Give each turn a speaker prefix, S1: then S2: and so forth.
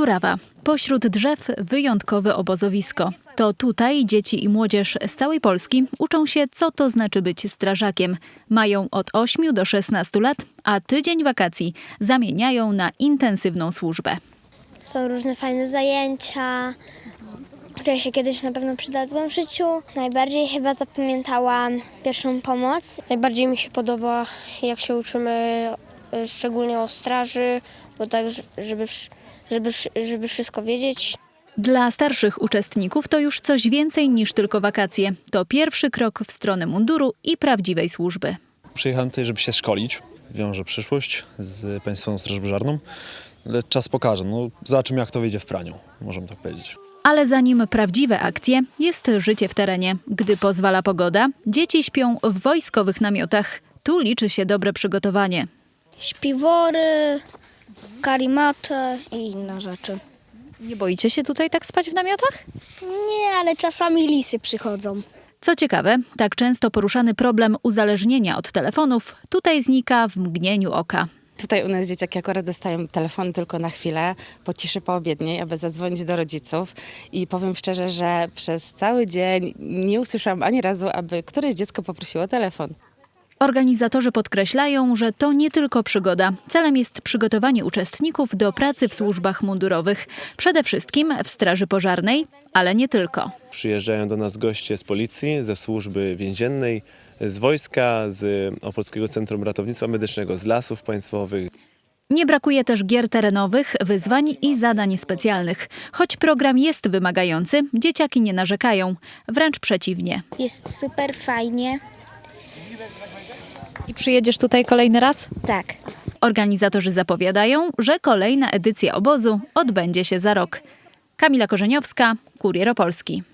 S1: Murawa. Pośród drzew wyjątkowe obozowisko. To tutaj dzieci i młodzież z całej Polski uczą się, co to znaczy być strażakiem. Mają od 8 do 16 lat, a tydzień wakacji zamieniają na intensywną służbę.
S2: Są różne fajne zajęcia, które się kiedyś na pewno przydadzą w życiu. Najbardziej chyba zapamiętałam pierwszą pomoc.
S3: Najbardziej mi się podoba, jak się uczymy szczególnie o straży, bo tak, żeby wszystko wiedzieć.
S1: Dla starszych uczestników to już coś więcej niż tylko wakacje. To pierwszy krok w stronę munduru i prawdziwej służby.
S4: Przyjechałem tutaj, żeby się szkolić. Wiążę przyszłość z Państwową Strażą Pożarną, ale czas pokaże. Zobaczymy, jak to wyjdzie w praniu, możemy tak powiedzieć.
S1: Ale zanim prawdziwe akcje, jest życie w terenie. Gdy pozwala pogoda, dzieci śpią w wojskowych namiotach. Tu liczy się dobre przygotowanie.
S2: Śpiwory, karimatę i inne rzeczy.
S1: Nie boicie się tutaj tak spać w namiotach?
S2: Nie, ale czasami lisy przychodzą.
S1: Co ciekawe, tak często poruszany problem uzależnienia od telefonów tutaj znika w mgnieniu oka.
S5: Tutaj u nas dzieciaki akurat dostają telefon tylko na chwilę, po ciszy poobiedniej, aby zadzwonić do rodziców. I powiem szczerze, że przez cały dzień nie usłyszałam ani razu, aby któreś dziecko poprosiło telefon.
S1: Organizatorzy podkreślają, że to nie tylko przygoda. Celem jest przygotowanie uczestników do pracy w służbach mundurowych. Przede wszystkim w Straży Pożarnej, ale nie tylko.
S6: Przyjeżdżają do nas goście z policji, ze służby więziennej, z wojska, z Opolskiego Centrum Ratownictwa Medycznego, z lasów państwowych.
S1: Nie brakuje też gier terenowych, wyzwań i zadań specjalnych. Choć program jest wymagający, dzieciaki nie narzekają. Wręcz przeciwnie.
S2: Jest super fajnie.
S1: I przyjedziesz tutaj kolejny raz?
S2: Tak.
S1: Organizatorzy zapowiadają, że kolejna edycja obozu odbędzie się za rok. Kamila Korzeniowska, Kurier Opolski.